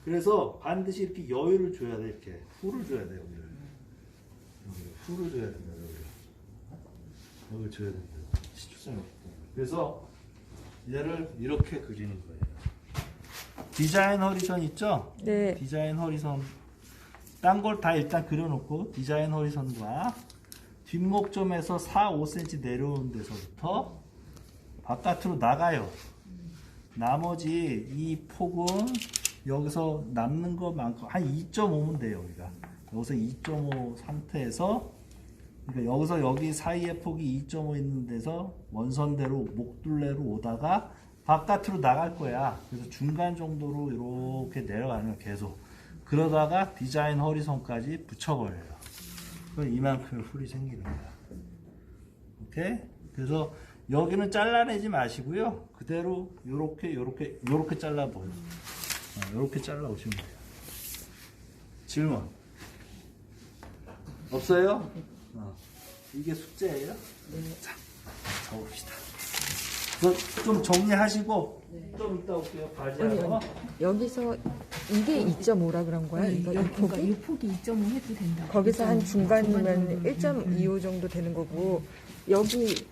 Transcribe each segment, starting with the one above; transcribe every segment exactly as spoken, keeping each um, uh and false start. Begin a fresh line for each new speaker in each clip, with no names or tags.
그래서 반드시 이렇게 여유를 줘야 돼. 이렇게 후를 줘야 돼. 여기를. 여기를 후를 줘야 된다. 여기를. 여기를 줘야 된다. 시추점이 없기 때문에. 그래서 얘를 이렇게 그리는 거예요. 디자인 허리선 있죠?
네.
디자인 허리선. 딴 걸 다 일단 그려놓고 디자인 허리선과 뒷목점에서 사, 오 센티미터 내려오는 데서부터 바깥으로 나가요. 나머지 이 폭은 여기서 남는 것만큼 한 이 점 오면 돼요. 우리가 여기서 이 점 오 상태에서 그러니까 여기서 여기 사이의 폭이 이 점 오 있는 데서 원선대로 목둘레로 오다가 바깥으로 나갈 거야. 그래서 중간 정도로 이렇게 내려가는 거야. 계속 그러다가 디자인 허리선까지 붙여버려요. 그럼 이만큼의 훌이 생기는 거야. 오케이? 그래서 여기는 잘라내지 마시고요. 그대로 요렇게 요렇게 요렇게 잘라보요. 어, 요렇게 잘라오시면 돼요. 질문 없어요? 어. 이게 숙제예요?
네.
자, 적읍시다. 좀 정리하시고
네.
좀 이따 올게요.
아니,
과제하러.
아니, 여기서 이게 이 점 오라 그런 거야?
네,
이거 이
여기, 그러니까
폭이?
이 폭이 이 점 오 해도 된다.
거기서 한 중간이면
정도는.
일 점 이오 정도 되는 거고 여기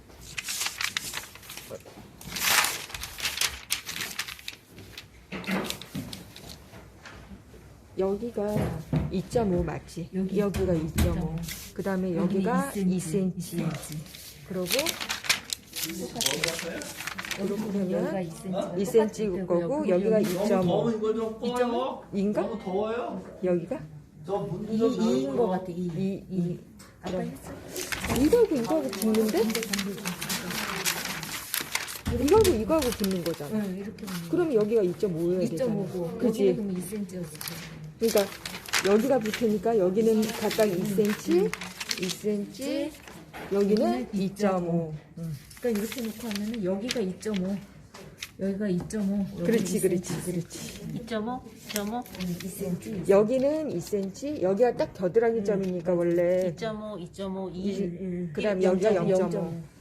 여기가 이 점 오 맞지?
여기
여기가 이 점 오. 그 다음에 여기가 이 센티미터.
이 센티미터.
그러고 이렇게
여기가
되면
이 센티미터.
이 센티미터 거고 여기가 이 점 오.
너무 더운 이거 좀 꺼요.
인가?
너무 더워요.
여기가
저 문
이,
좀
이인
열어요.
것 같아. 이,
이, 이.
아까 했어?
이거하고 이거하고 붙는데? 이거하고 이거하고 붙는 거잖아.
응, 이렇게 하면
그럼 여기가 이 점 오여야
이
되잖아.
점 오고
그지?
그러면 이 센티미터였어.
그러니까 여기가 붙으니까 여기는 각각 이 센티미터, 이 센티미터, 여기는 이 점 오. 응.
그러니까 이렇게 놓고 하면은 여기가 이 점 오, 여기가 이 점 오.
그렇지, 그렇지, 그렇지.
이 점 오, 이 점 오,
이 센티미터.
여기는 이 센티미터, 여기가 딱 겨드랑이 점이니까 원래
이 점 오, 이 점 오, 이,
이,
일,
그다음
일,
여기가
영 점 오.
영 점 오.